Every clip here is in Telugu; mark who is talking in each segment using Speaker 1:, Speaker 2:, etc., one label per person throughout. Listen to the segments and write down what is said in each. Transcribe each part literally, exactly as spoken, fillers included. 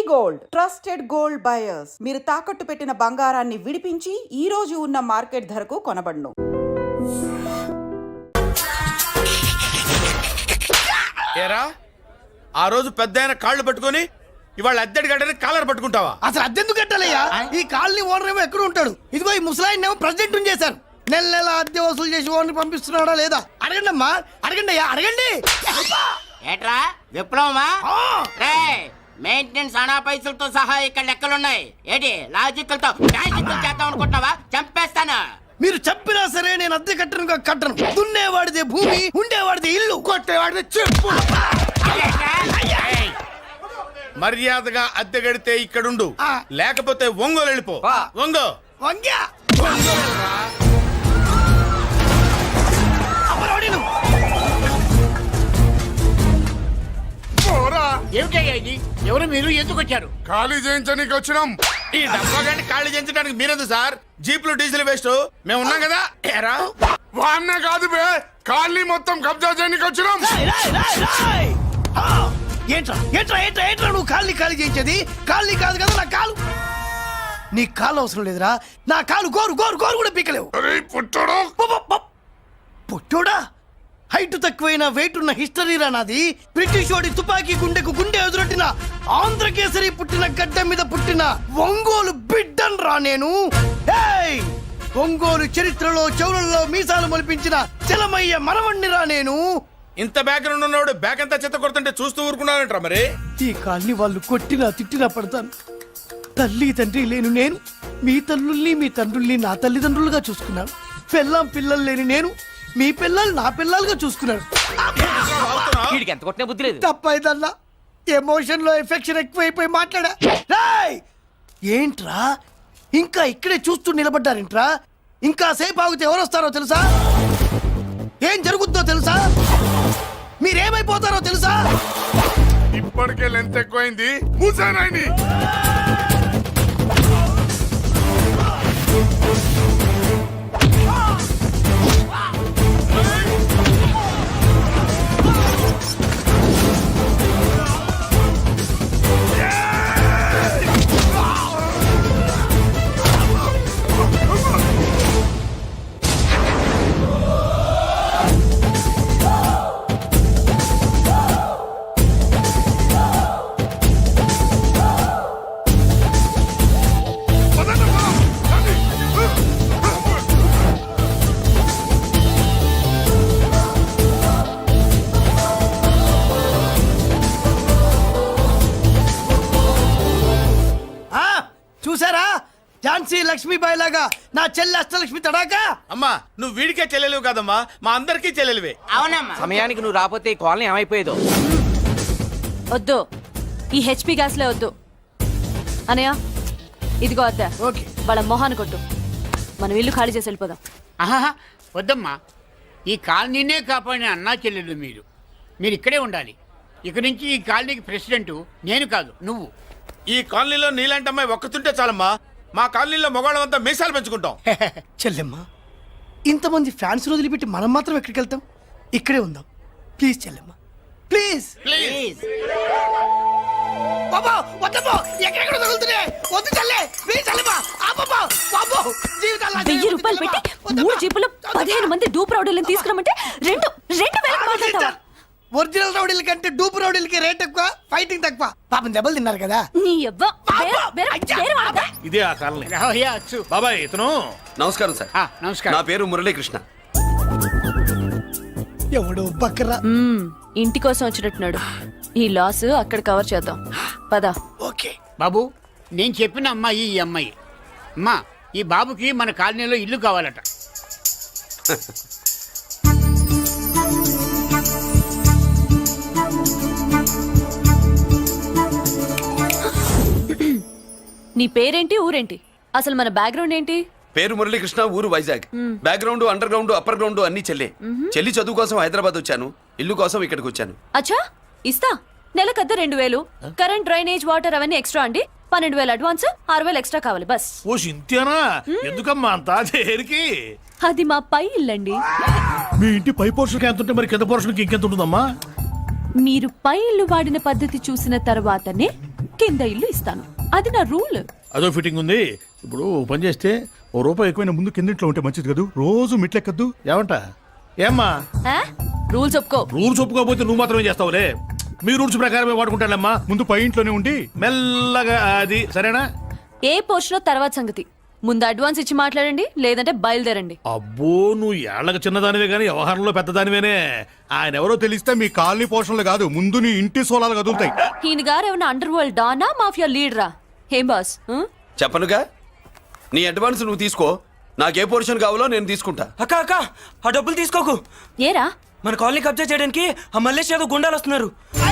Speaker 1: గోల్డ్ ట్రస్టెడ్ గోల్డ్ బయర్స్ మీరు తాకట్టు పెట్టిన బంగారాన్ని విడిపించి ఈ రోజు ఉన్న మార్కెట్ ధరకు కొనబడును.
Speaker 2: ఏరా ఆ రోజు పెద్ద కాళ్ళు పట్టుకొని ఇవాళ అద్దెడి గడ్డని కాలర్ పట్టుకుంటావా?
Speaker 3: అసలు అద్దెందుకు కట్టాలయ్యా? ఈ కాలనీ ఓనర్ ఏమో ఎక్కడ ఉంటాడు? ఇదిగో ఈ ముసలాయిన్ ఏమో ప్రెసిడెంట్ చేశారు. నెల నెల అద్దె వసూలు చేసి ఓనర్ పంపిస్తున్నాడా లేదా అడగండి అమ్మా, అడగండి అయ్యా, అడగండి.
Speaker 4: ఏట్రా విప్లవమా? రే మెయింటెనెన్స్ అనా పైసలతో సహా ఇక్కడ లెక్కలున్నాయి. ఏంటి లాజికల్ తో లాజికల్ చేద్దాం అనుకుంటున్నావా? చంపేస్తాను.
Speaker 3: మీరు చెప్పినా సరే నేను అద్దె కట్టను కట్టను. దున్నేవాడిదే భూమి, ఉండేవాడిదే ఇల్లు, కొట్టేవాడిదే చెప్పు.
Speaker 2: మర్యాదగా అద్దె గడితే ఇక్కడుండు, లేకపోతే ఒంగోలు వెళ్ళిపో. ఒంగో
Speaker 3: వంగ్యా
Speaker 5: ఏమిటయ్యా ఇది? ఎవరు మీరు? ఎందుకు వచ్చారు?
Speaker 2: ఖాళీ చేయించడానికి వచ్చినాం. ఈ డబ్బా గంట ఖాళీ చేయించడానికి మీరెందు సార్? జీపులు డీజిల్ వేస్ట్, మేము ఉన్నాం కదా. ఏరా వాన్నే కాదు బే, ఖాళీ మొత్తం కబ్జా చేయడానికి వచ్చినాం.
Speaker 3: ఏంట్రా ఏంట్రా ఏంట్రా ఏంట్రా నువ్వు కాళ్ళని ఖాళీ చేయించేది? కాళ్ళని కాదు కదా నా కాలు. నీ కాలు అవసరం లేదురా, నా కాలు గోరు గోరు గోరు కూడా పీకలేవు. పుట్టోడా? హైట్ తక్కువైన వెయిట్ ఉన్న హిస్టరీ రా నాది. బ్రిటిష్ వాడి తుపాకీ గుండెకు గుండె ఎదురొట్టిన ఆంధ్రకేసరి పుట్టిన గడ్డ మీద పుట్టిన ఒంగోలు బిడ్డన్ రా నేను. ఏయ్! ఒంగోలు చరిత్రలో చౌరల్లో మీసాలు మొలిపించిన చలమయ్య మనవణ్ణి రా నేను.
Speaker 2: ఇంత బ్యాక్గ్రౌండ్ ఉన్నవాడు బ్యాక్ అంతా చెత్త కొడుతుంటే చూస్తూ ఊరుకున్నారంట. మరి
Speaker 3: ఈ కాల్ని వాళ్ళు కొట్టినా తిట్టినా పడతాను. తల్లి తండ్రి లేను నేను మీ తల్లుల్ని మీ తండ్రుల్ని నా తల్లిదండ్రులుగా చూసుకున్నాను. పిల్లం పిల్లలు లేని నేను మీ పిల్లలు నా పిల్లలుగా చూసుకున్నాను. తప్పైదల్లా ఎమోషన్ లో ఎఫెక్షన్ ఎక్కువైపోయి మాట్లాడా. రాయ్! ఏంట్రా ఇంకా ఇక్కడే చూస్తూ నిలబడ్డారేంట్రా? ఇంకా సేపు ఆగితే ఎవరు వస్తారో తెలుసా? ఏం జరుగుతుందో తెలుసా? మీరేమైపోతారో తెలుసా?
Speaker 2: ఇప్పటికే లెంత్ ఎక్కువైంది. మూసానాయని
Speaker 3: చూసారా? ఝాన్సీ లక్ష్మీబాయి లాగా నా చెల్లి అష్టలక్ష్మి తడాకా.
Speaker 2: అమ్మా నువ్వు వీడికే చెల్లెలివి కాదమ్మా, మా అందరికీ చెల్లెలివే.
Speaker 4: అవునమ్మా.
Speaker 6: సమయానికి నువ్వు రాకపోతే ఈ కాలనీ ఏమైపోయేదో.
Speaker 7: వద్దు, ఈ హెచ్పి గ్యాస్లే వద్దు. అనయ్య ఇదిగో అద్దా,
Speaker 3: ఓకే
Speaker 7: వాళ్ళ మొహాన్ని కొట్టు. మనం ఇల్లు ఖాళీ చేసి వెళ్ళిపోదాం.
Speaker 5: ఆహా వద్దమ్మా, ఈ కాలనీనే కాపాడిన అన్నా చెల్లెలు మీరు. మీరు ఇక్కడే ఉండాలి. ఇక నుంచి ఈ కాలనీకి ప్రెసిడెంట్ నేను కాదు, నువ్వు.
Speaker 2: ఈ కాలనీలో నీలాంటి అమ్మాయి ఒక్కతుంటే చాలమ్మా. మా కాలనీలో మగవాళ్ళంతా మీసాలు పెంచుకుంటాం.
Speaker 3: చెల్లెమ్మ, ఇంతమంది ఫ్యాన్స్ వదిలిపెట్టి మనం మాత్రం ఎక్కడికి వెళ్తాం? ఇక్కడే ఉందాం ప్లీజ్ చెల్లెమ్మ, ప్లీజ్
Speaker 4: ప్లీజ్.
Speaker 3: బాబా వద్దమ్మా, ఎక్కడెక్కడ తగులుతున్నాయి. వద్దు చెల్లె, ప్లీజ్ చెల్లెమ్మ. ఆపమ్మా బాబో, జీవితాలు
Speaker 7: వెయ్యి రూపాయలు పెట్టి మూడు జీపులు పదిహేను మంది డూప్ రౌడీలను తీసుకురమంటే రెండు రెండు వేలకు మాట్లాడతావా?
Speaker 3: ఒరిజినల్ రౌడీల కంటే డూప్ రౌడీలకి రేట్ ఎక్కువ, ఫైటింగ్ తక్కువ. పాపం దెబ్బలు తిన్నారు కదా.
Speaker 7: నీ యవ్వ, వేరే- వేరే- వేరే వాళ్ళదా?
Speaker 8: ఇదే ఆ కాలనీ.
Speaker 5: రావయ్యా అచ్చు.
Speaker 8: బాబాయ్ ఇతను.
Speaker 9: నమస్కారం సార్.
Speaker 5: ఆ, నమస్కారం.
Speaker 9: నా పేరు మురళీకృష్ణ.
Speaker 3: ఎవడు బక్కరా.
Speaker 7: మ్మ్, ఇంటి కోసం వచ్చినట్టున్నాడు. ఈ లాస్ అక్కడ కవర్ చేద్దాం పద.
Speaker 3: ఓకే
Speaker 5: బాబు, నేను చెప్పిన అమ్మాయి ఈ అమ్మాయి. అమ్మా, ఈ బాబుకి మన కాలనీలో ఇల్లు కావాలట.
Speaker 7: నీ పేరేంటి, ఊరేంటి, అసలు మన బ్యాక్గ్రౌండ్ ఏంటి?
Speaker 9: పేరు మురళీకృష్ణ, ఊరు Vizag. Background under ground upper ground అన్ని చెల్లె. చెల్లి చదువు కోసం హైదరాబాద్ వచ్చాను, ఇల్లు కోసం ఇక్కడికి వచ్చాను.
Speaker 7: అచ్చా, ఇస్తా. నెలకద్ద రెండు వేలు, కరెంట్ డ్రైనేజ్ వాటర్ అవన్నీ ఎక్స్ట్రా అండి. పన్నెండు వేలు అడ్వాన్స్, ఆరు వేలు ఎక్స్ట్రా కావాలి బస్.
Speaker 8: ఓ సింతేనా? ఎందుకమ్మా అంతా దేనికి?
Speaker 7: అది మా పై ఇల్లండి.
Speaker 8: మీ ఇంటి పై పోర్షన్కి ఎంత ఉంటే మరి కింద పోర్షన్కి ఇంకెంత ఉంటుందమ్మా?
Speaker 7: మీరు పై ఇల్లు వాడిన పద్ధతి చూసిన తర్వాతనే కింద ఇల్లు ఇస్తాను. అది నా రూల్.
Speaker 8: అదో ఫిట్టింగ్ ఉంది. ఇప్పుడు ఓ పని చేస్తే ఓ రూపాయి ఎక్కువైనా ముందు కిందింట్లో ఉంటే మంచిది కదూ. రోజు మిట్లెక్కద్దు ఏమంట? ఏమ్మా
Speaker 7: రూల్స్ ఒప్పుకో.
Speaker 8: రూల్స్ ఒప్పుకోకపోతే నువ్వు మాత్రమే చేస్తావులే. మీ రూల్స్ ప్రకారమే వాడుకుంటానమ్మా. ముందు పై ఇంట్లోనే ఉండి మెల్లగా అది సరేనా?
Speaker 7: ఏ పోర్షన్ తర్వాత సంగతి. ముందు అడ్వాన్స్ ఇచ్చి మాట్లాడండి, లేదంటే బయలుదేరండి.
Speaker 8: అబ్బో నువ్వు ఏళ్ళకి చిన్నదానివే కానీ వ్యవహారంలో పెద్దదానివేనే. ఆయన ఎవరో తెలిస్తే మీ కాలనీ పోషణలు కాదు, ముందు నీ ఇంటి సోలాలు కదులుతాయి.
Speaker 7: ఈయన గారు ఏమన్నా అండర్ వరల్డ్ డానా, మాఫియా లీడరా? ఏం బాస్? ఆ?
Speaker 9: చెప్పనుగా, నీ అడ్వాన్స్ నువ్వు తీసుకో. నాకే పోర్షన్ కావాలో నేను తీసుకుంటా.
Speaker 6: అక్క అక్క ఆ డబ్బులు తీసుకోకు.
Speaker 7: ఏరా?
Speaker 6: మన కాలనీ కబ్జా చేయడానికి ఆ మల్లేష్ యాదవ్ గుండాలు వస్తున్నారు.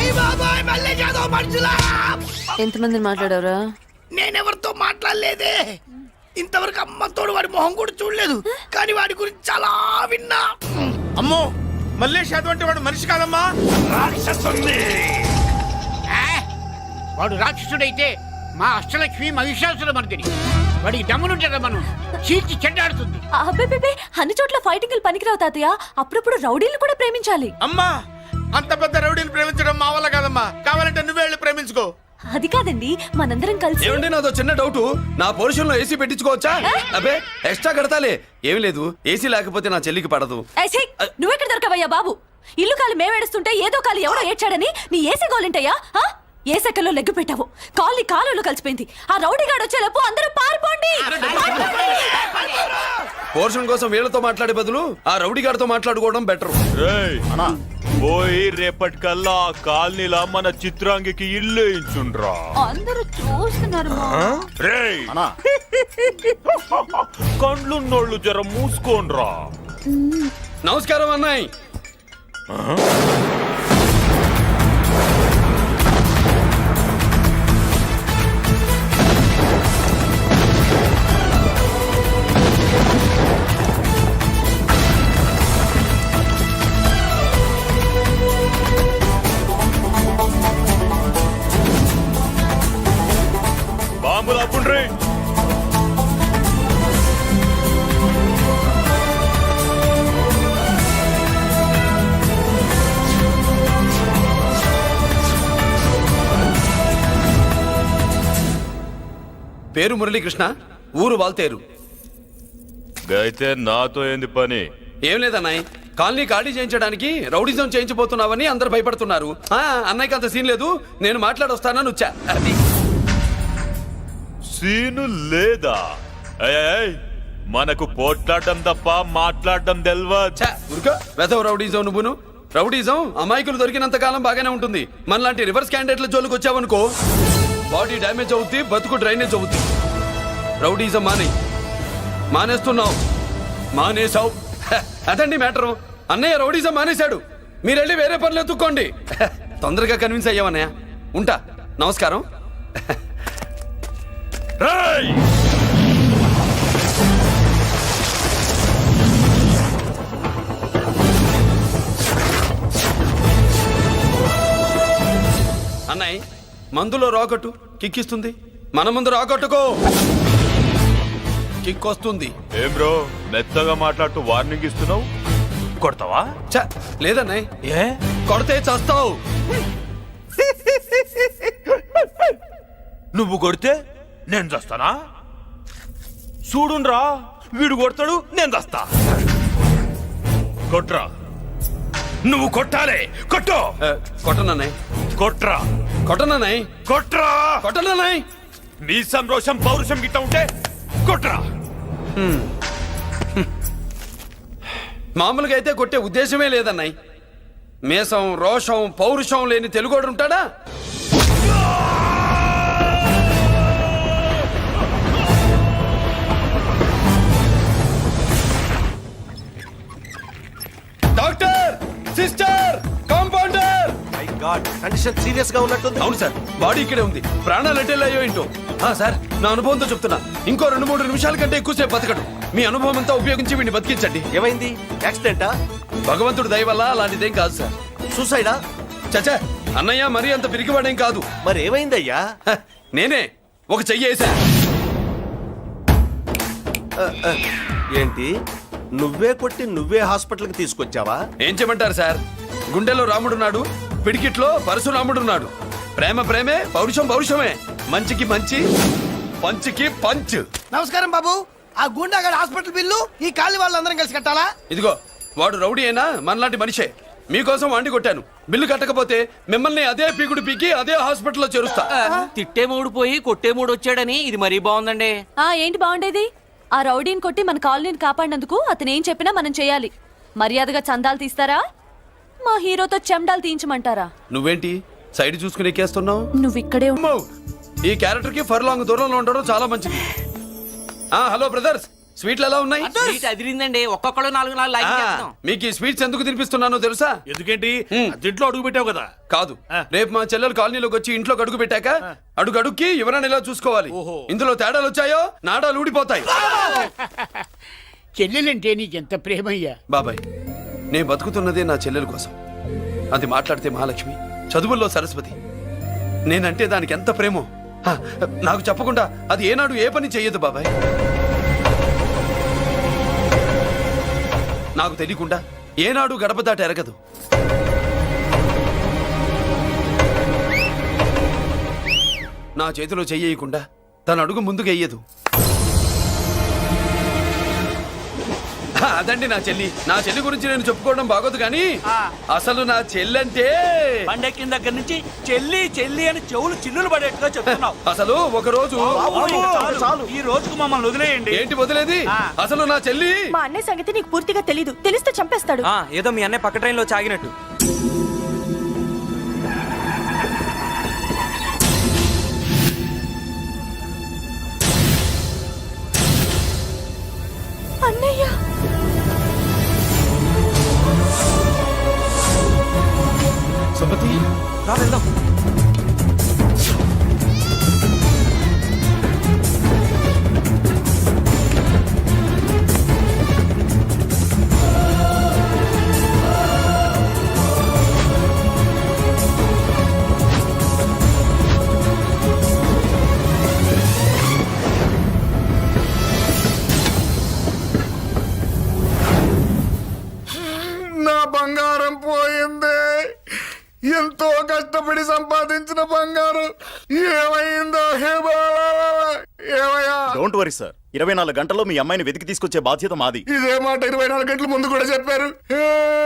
Speaker 7: ఎంతమందిని మాట్లాడారా?
Speaker 3: నేనెవరితో మాట్లాడలేదే. ఇంతవరకు అమ్మతోడు వాడి మొహం కూడా చూడలేదు, కానీ వాడి గురించి చాలా విన్నా.
Speaker 2: అమ్మో, మల్లేష్ యాదవ్ అంటే వాడు మనిషి కాదమ్మా, రాక్షసుని.
Speaker 5: ఆ? వాడు రాక్షసుడైతే మా అష్టలక్ష్మి మహిషాసుల మర్దిని. వాడికి దమ్మునుంటారా మనం చీల్చి చెడ్డాడుతుంది.
Speaker 7: అబ్బే, అన్ని చోట్ల ఫైటింగ్ పనికిరావు తాతయ్య. అప్పుడప్పుడు రౌడీలు కూడా ప్రేమించాలి.
Speaker 2: అమ్మా, అంత పెద్ద రౌడీని ప్రేమించడం మా వల్ల కాదమ్మా. కావాలంటే నువ్వే వెళ్ళి ప్రేమించుకో.
Speaker 7: అది కాదండి, మనందరం కలిసి.
Speaker 9: ఏమండి, నాదో చిన్న డౌట్. నా పోర్షన్ లో ఏసీ పెట్టించుకోవచ్చా? అబ్బే ఎక్స్ట్రా కడతాలే. ఏమి లేదు, ఏసీ లేకపోతే నా చెల్లికి పడదు.
Speaker 7: ఏయ్, ఛీ! నువ్వెక్కడ దొరకవయ్యా బాబు? ఇల్లు కాలు మేమేడుస్తుంటే ఏదో కాలు ఎవడో ఏడ్చాడని నీ ఏసీ గోలింటయ్యా? ఏ సెకల్లో లెగ్గు పెట్టావు, కాలి కాలులో కలిసిపోయింది. ఆ రౌడీ గాడు వచ్చేలోపు అందరూ పారిపోండి.
Speaker 9: పోర్షన్ కోసం వీళ్ళతో మాట్లాడే బదులు ఆ రౌడీ గారితో మాట్లాడుకోవడం బెటర్.
Speaker 10: పోయి రేపటికల్లా ఆ కాలనీలా మన చిత్రాంగికి ఇల్లు ఇచ్చుండ్రా.
Speaker 7: అందరూ చూస్తున్నారు.
Speaker 10: రేయ్ కండ్లున్నోళ్ళు జర మూసుకోండ్రా.
Speaker 9: నమస్కారం అన్నాయ్.
Speaker 10: బాంబులు అప్పుండ్రీ.
Speaker 9: పేరు మురళీకృష్ణ, ఊరు వాల్తేరు.
Speaker 10: అయితే నాతో ఏంది పని?
Speaker 9: ఏం లేదన్నాయ్, కాలనీ ఖాళీ చేయించడానికి రౌడిజం చేయించబోతున్నావని అందరు భయపడుతున్నారు. ఆ, అన్నయ్యకి అంత సీన్ లేదు, నేను మాట్లాడొస్తానని వచ్చా. అది
Speaker 10: సీను లేదా? ఏయ్, ఏయ్, మనకు పోట్లాడడం తప్ప మాట్లాడడం తెల్వా.
Speaker 9: ఉరుకో వెధవ రౌడీజం. నువ్వును రౌడీజం అమాయకులు దొరికినంత కాలం బాగానే ఉంటుంది. మనలాంటి రివర్స్ క్యాండిడేట్ల జోలికి వచ్చావనుకో బాడీ డ్యామేజ్ అవుద్ది, బతుకు డ్రైనేజ్ అవుద్ది. రౌడీజం మానే మానేస్తున్నావు మానేసావు. అదండి మ్యాటరు. అన్నయ్య రౌడీజం మానేశాడు, మీరెళ్ళి వేరే పనులు ఎత్తుక్కోండి. తొందరగా కన్విన్స్ అయ్యావన్నయ్య. ఉంటా, నమస్కారం. అన్నయ్య మందులో రాకట్టు కిక్కిస్తుంది, మన ముందు రాకట్టుకో కిక్ వస్తుంది.
Speaker 10: ఏం బ్రో మెత్తగా మాట్లాడుతూ వార్నింగ్ ఇస్తున్నావు? కొడతావా?
Speaker 9: చ లేదన్నయ్య,
Speaker 10: ఏ
Speaker 9: కొడితే చస్తావు.
Speaker 10: నువ్వు కొడితే నేను చస్తానా? చూడుండ్రా, వీడు కొడతాడు, నేను చస్తా. కొట్రా, నువ్వు కొట్టాలి. కొట్టు.
Speaker 9: కొట్టనన్నయ్య,
Speaker 10: కొట్రా.
Speaker 9: కొట్టనన్నయ్య,
Speaker 10: కొట్రా.
Speaker 9: కొట్టనన్నయ్య.
Speaker 10: మీ సంరోషం పౌరుషం గిట్ట ఉంటే కొట్రా.
Speaker 9: మామూలుగా అయితే కొట్టే ఉద్దేశమే లేదన్నయ్య. మేషం రోషం పౌరుషం లేని తెలుగోడు ఉంటాడా? Doctor, sister, compounder.
Speaker 6: My god, condition serious గా ఉన్నట్టుంది.
Speaker 9: అవును సార్, బాడీ ఇక్కడే ఉంది. ప్రాణాలు ఎట్టెళ్ళి అయ్యో ఏంటో. ఆ, సార్ నా అనుభవంతో చెప్తున్నా, ఇంకో రెండు మూడు నిమిషాల కంటే ఎక్కువసేపు బతకడు. మీ అనుభవం అంతా ఉపయోగించి వీడిని బతికించండి.
Speaker 6: ఏమైంది? యాక్సిడెంటా?
Speaker 9: భగవంతుడి దయ వల్ల అలాంటిదేం కాదు సార్.
Speaker 6: సూసైడా?
Speaker 9: చచ్చా, అన్నయ్య మరీ అంత పిరికివాడేం కాదు.
Speaker 6: మరి ఏమైందయ్యా?
Speaker 9: హ, నేనే ఒక చెయ్యి వేసా.
Speaker 6: ఏంటి, నువ్వే కొట్టి నువ్వే హాస్పిటల్కి తీసుకొచ్చావా?
Speaker 9: ఏం చేయమంటారు సార్, గుండెలో రాముడున్నాడు, పిడికిట్లో పరశురాముడున్నాడు. ప్రేమ ప్రేమే పౌరుషం పౌరుషమే మంచికి మంచి పంచికి పంచ్.
Speaker 3: నమస్కారం బాబు. ఆ గుండాగడ్ హాస్పిటల్ బిల్లు ఈ కాలి వాళ్ళందరం కలిసి కట్టాలా?
Speaker 9: ఇదిగో వాడు రౌడీ అయినా మనలాంటి మనిషే. మీకోసం వండి కొట్టాను. బిల్లు కట్టకపోతే మిమ్మల్ని అదే పీకుడు పీకి అదే హాస్పిటల్లో చేరుస్తా.
Speaker 11: తిట్టే మూడు పోయి కొట్టే మూడు వచ్చాడని ఇది మరీ బాగుందండి.
Speaker 7: ఆ ఏంటి బాగుండేది? ఆ రౌడీని కొట్టి మన కాలనీని కాపాడినందుకు అతను ఏం చెప్పినా మనం చేయాలి. మర్యాదగా చందాలు తీస్తారా, మా హీరోతో చెండాలు తీయించమంటారా?
Speaker 9: నువ్వేంటి సైడ్ చూసుకుని ఎక్కేస్తున్నావు?
Speaker 7: నువ్వు ఇక్కడే ఉండు.
Speaker 9: అమ్మో, ఈ క్యారెక్టర్ కి ఫర్ లాంగ్ దూరంలో ఉండడం చాలా మంచిది. ఆ హలో బ్రదర్స్, స్వీట్లు ఎలా ఉన్నాయి?
Speaker 11: సీట్ అదిరిందండి. ఒక్కొక్కడు నాలుగు నాలుగు లైక్
Speaker 9: ఆ,
Speaker 11: చేస్తాం.
Speaker 9: మీకు ఈ స్వీట్స్ ఎందుకు తినిపిస్తున్నానో తెలుసా?
Speaker 8: ఎందుకేంటి
Speaker 9: హ్మ్.
Speaker 8: దీంట్లో అడుగు పెట్టావు కదా.
Speaker 9: కాదు, రేపు మా చెల్లెలు కాలనీలోకి వచ్చి ఇంట్లో అడుగు పెట్టాక అడుగు అడుక్కి ఎవరైనా ఇలా చూసుకోవాలి.
Speaker 8: ఓహో.
Speaker 9: ఇందులో తేడాలు వచ్చాయో నాడాలు ఊడిపోతాయి.
Speaker 5: చెల్లెలంటే నీకెంత ప్రేమయ్యా.
Speaker 9: బాబాయ్, నేను బతుకుతున్నదే నా చెల్లెల కోసం. అది మాట్లాడితే మహాలక్ష్మి, చదువుల్లో సరస్వతి. నేనంటే దానికి ఎంత ప్రేమో హ, నాకు చెప్పకుండా అది ఏనాడు ఏ పని చెయ్యదు బాబాయ్. నాకు తెలియకుండా ఏనాడు గడప దాటి ఎరగదు. నా చేతిలో చెయ్యకుండా తన అడుగు ముందుకు వెయ్యదు. హ, అదండి నా చెల్లి. నా చెల్లి గురించి నేను చెప్పుకోవడం బాగోదు కానీ అసలు నా చెల్లంటే
Speaker 11: పండెక్కిన దగ్గర నుంచి చెల్లి చెల్లి అని చెవులు చిల్లులు పడేట్టుగా చెప్తున్నావు.
Speaker 9: అసలు ఒక రోజు
Speaker 11: ఈ రోజుకు మమ్మల్ని వదిలేయండి.
Speaker 9: ఏంటి వదిలేది? అసలు నా చెల్లి
Speaker 7: మా అన్నయ్య సంగతి నీకు పూర్తిగా తెలీదు. తెలిస్తే చంపేస్తాడు.
Speaker 11: ఏదో మీ అన్నయ్య పక్క ట్రైన్ లో చాగినట్టు.
Speaker 7: అన్నయ్య
Speaker 9: సుమతి,
Speaker 11: రా వెళ్దాం.
Speaker 2: నా బంగారం పోయింది. ఎంతో కష్టపడి సంపాదించిన బంగారం ఏమైందో హే బాబా, ఏమయ్యా?
Speaker 12: డోంట్ వరీ సార్, ఇరవై నాలుగు గంటల్లో మీ అమ్మాయిని వెతికి తీసుకొచ్చే బాధ్యత మాది.
Speaker 2: ఇదే మాట ఇరవై నాలుగు గంటల ముందు కూడా చెప్పారు. హే!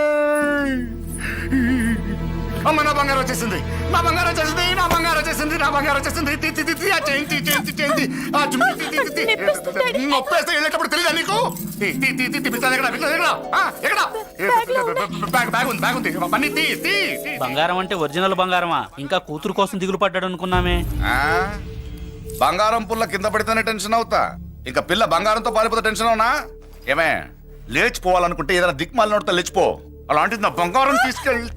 Speaker 2: అమ్మ, నా బంగారం వచ్చేసింది, నా బంగారం వచ్చేసింది, నా బంగారం వచ్చేసింది, నా బంగారం వచ్చేసింది. తి, తి, తి, తి, ఆ చేయి, తి, చేయి, తి, చేయి, తి. ఆ జుమ్మి, తి, తి, తి, తి. నొప్పేస్తే వెళ్ళేటప్పుడు తెలియదా నీకు? తి, తి, తి, తి, తి, పిస్తాది ఎక్కడ? పిస్తాది ఎక్కడ? ఆ, ఎక్కడ? బ్యాగ్, బ్యాగ్ ఉంది, బ్యాగ్ ఉంది. పని తీ, తీ, తీ.
Speaker 11: బంగారం అంటే ఒరిజినల్ బంగారమా? ఇంకా కూతురు కోసం దిగులు పడ్డాడు అనుకున్నామే.
Speaker 2: ఆ? బంగారం పుల్ల కింద పడితేనే టెన్షన్ అవుతా, ఇంకా పిల్ల బంగారంతో పారిపోతే టెన్షన్ అవునా? ఏమే, లేచిపోవాలనుకుంటే ఏదైనా దిక్మాల నోడితే లేచిపో. అలాంటిది నా బంగారం తీసుకెళ్ళి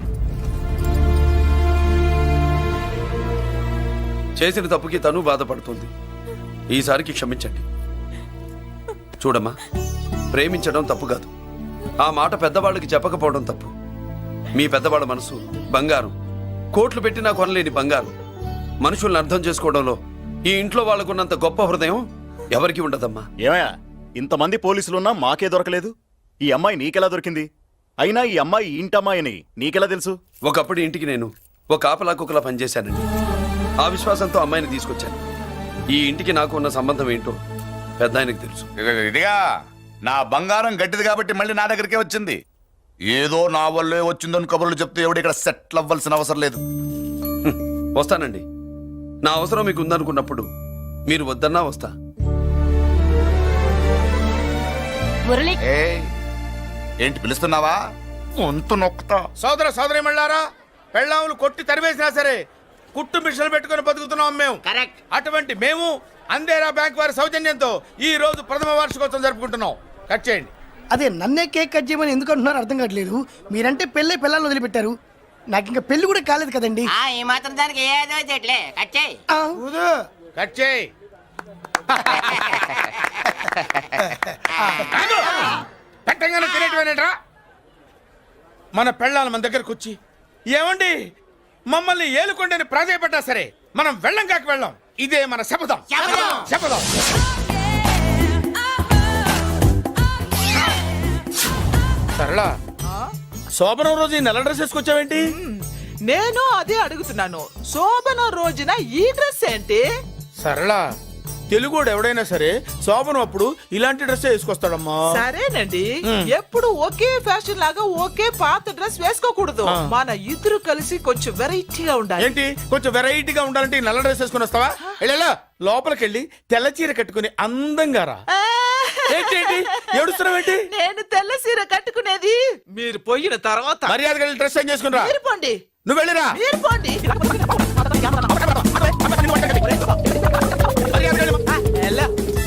Speaker 9: చేసిన తప్పుకి తను బాధపడుతుంది. ఈసారికి క్షమించండి. చూడమ్మా, ప్రేమించడం తప్పు కాదు. ఆ మాట పెద్దవాళ్ళకి చెప్పకపోవడం తప్పు. మీ పెద్దవాళ్ళ మనసు బంగారం, కోట్లు పెట్టినా కొనలేని బంగారం. మనుషుల్ని అర్థం చేసుకోవడంలో ఈ ఇంట్లో వాళ్ళకున్నంత గొప్ప హృదయం ఎవరికి ఉండదమ్మా.
Speaker 12: ఏమయ్యా, ఇంతమంది పోలీసులున్నా మాకే దొరకలేదు. ఈ అమ్మాయి నీకెలా దొరికింది? అయినా ఈ అమ్మాయి ఈ ఇంటమ్మాయిని నీకెలా తెలుసు?
Speaker 9: ఒకప్పుడు ఇంటికి నేను ఒక ఆపలా కుక్కలా పనిచేశానండి. ఆ విశ్వాసంతో అమ్మాయిని తీసుకొచ్చాను. ఈ ఇంటికి నాకు ఉన్న సంబంధం ఏంటో పెద్ద ఆయనకు తెలుసు.
Speaker 2: ఇదిగా నా బంగారం గట్టిది కాబట్టి మళ్ళీ నా దగ్గరికే వచ్చింది. ఏదో నా వల్లే వచ్చిందని కబుర్లు చెప్తే ఎవడు ఇక్కడ సెటిల్ అవ్వాల్సిన అవసరం లేదు.
Speaker 9: హ్మ్, వస్తానండి. నా అవసరం మీకు ఉందనుకున్నప్పుడు మీరు వద్దన్నా వస్తా.
Speaker 7: మురళి,
Speaker 2: ఏయ్, ఏంటి పిలుస్తున్నావా? వంతు నొక్కుతా. సోదర సోదరి మళ్ళారా, పెళ్ళాములు కొట్టి తరివేసినా సరే కుట్టు మిషన్లు పెట్టుకుని బతుకుతున్నాం మేము.
Speaker 4: కరెక్ట్.
Speaker 2: అటువంటి మేము అందేరా బ్యాంక్ వారి సౌజన్యంతో ఈ రోజు ప్రథమ వార్షికోత్సవం జరుపుకుంటున్నాం. కట్ చేయండి.
Speaker 3: అదే నన్నే కేక్ కట్ చేయమని ఎందుకు అంటున్నారో అర్థం కావట్లేదు. మీరంటే పెళ్ళే పిల్లల్ని వదిలిపెట్టారు, నాకు ఇంకా పెళ్లి కూడా కాలేదు కదండి.
Speaker 4: ఆ ఈ మాత్రం దానికి ఏదో చెట్లే కట్ చేయి.
Speaker 3: ఆ,
Speaker 2: కట్ చేయి. పెట్టంగానే తినేటివేనేట్రా? మన పెళ్ళాల మన దగ్గరకు వచ్చి ఏమండి మమ్మల్ని ఏలుకొండని ప్రాధాయపడ్డా సరే మనం వెళ్ళం కాక వెళ్ళాం. ఇదే మన శపథం.
Speaker 4: శపథం.
Speaker 2: శపథం. సరళ, శోభనం రోజు ఈ నెల డ్రెస్ వేసుకొచ్చావేంటి?
Speaker 13: నేను అదే అడుగుతున్నాను. శోభన రోజున ఈ డ్రెస్ ఏంటి?
Speaker 11: సరళ తెలుగుడు ఎవడైనా సరే శోభనం అప్పుడు ఇలాంటి డ్రెస్ వేసుకొస్తాడమ్మా.
Speaker 13: సరేనండి, ఎప్పుడు ఒకే ఫ్యాషన్ లాగా ఒకే పాత డ్రెస్ వేసుకోకూడదు. మన ఇద్దరు కలిసి కొంచెం వెరైటీగా ఉండాలి.
Speaker 11: ఏంటి కొంచెం వెరైటీగా ఉండాలంటే ఈ నల్ల డ్రెస్ వేసుకొని వస్తావా? వెళ్ళా లోపలికి వెళ్ళి తెల్ల చీర కట్టుకుని అందంగా రా. ఏంటి ఏంటి ఏడుస్తున్నావేంటి?
Speaker 13: నేను తెల్ల సీర కట్టుకునేది మీరు పోయిన తర్వాత.
Speaker 11: మర్యాదగా వెళ్ళి డ్రెస్ చేంజ్ చేసుకుని రా.
Speaker 13: మీరు పోండి.
Speaker 11: నువ్వు వెళ్ళిరా.
Speaker 13: మీరు పోండి. ఎలా?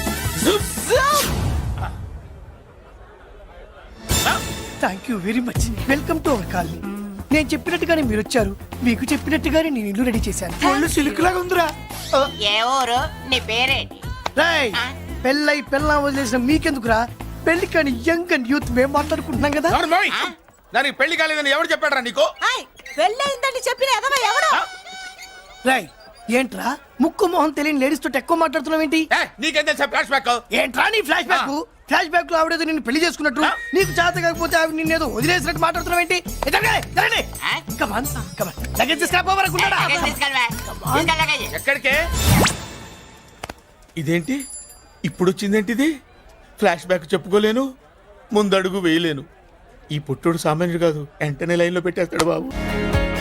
Speaker 3: Thank you very much. Welcome to our colony. నేను చెప్పినట్టుగానే మీరు వచ్చారు, మీకు చెప్పినట్టుగానే నేను ఇల్లు రెడీ చేశాను. ఒళ్ళు సిల్క్ లాగా ఉందిరా.
Speaker 4: ఏ ఊరు? నీ పేరేంటి?
Speaker 3: రాయ్ పెళ్ళై పెళ్ళా వదిలేసిన మీకెందుకురా? పెళ్లి కాని యంగ్ అండ్ యూత్ మేము మాట్లాడుకుంటున్నాం కదా.
Speaker 11: దానికి పెళ్లి కాలేదని ఎవరు చెప్పాడరా నీకు?
Speaker 13: పెళ్ళయిందని చెప్పిన ఎదవ ఎవడు?
Speaker 3: రాయ్ ఏంట్రా ముక్కు మొహం తెలియని లేడీస్ తోటి ఎక్కువ మాట్లాడుతున్నావు ఏంటి?
Speaker 11: నీకేం తెలుసా ఫ్లాష్ బ్యాక్?
Speaker 3: ఏంట్రా నీ ఫ్లాష్ బ్యాక్? ఫ్లాష్ బ్యాక్ లో ఆవిడేదో నిన్ను పెళ్లి చేసుకున్నట్టు, నీకు చేత కాకపోతే ఆవిడ నిన్నేదో వదిలేసినట్టు మాట్లాడుతున్నావు ఏంటి?
Speaker 11: ఎక్కడికే? ఇదేంటి ఇప్పుడు వచ్చిందేంటి? ఇది ఫ్లాష్ బ్యాక్ చెప్పుకోలేను, ముందడుగు వేయలేను. ఈ పుట్టుడు సామాన్యుడు కాదు, వెంటనే లైన్ లో పెట్టేస్తాడు బాబు.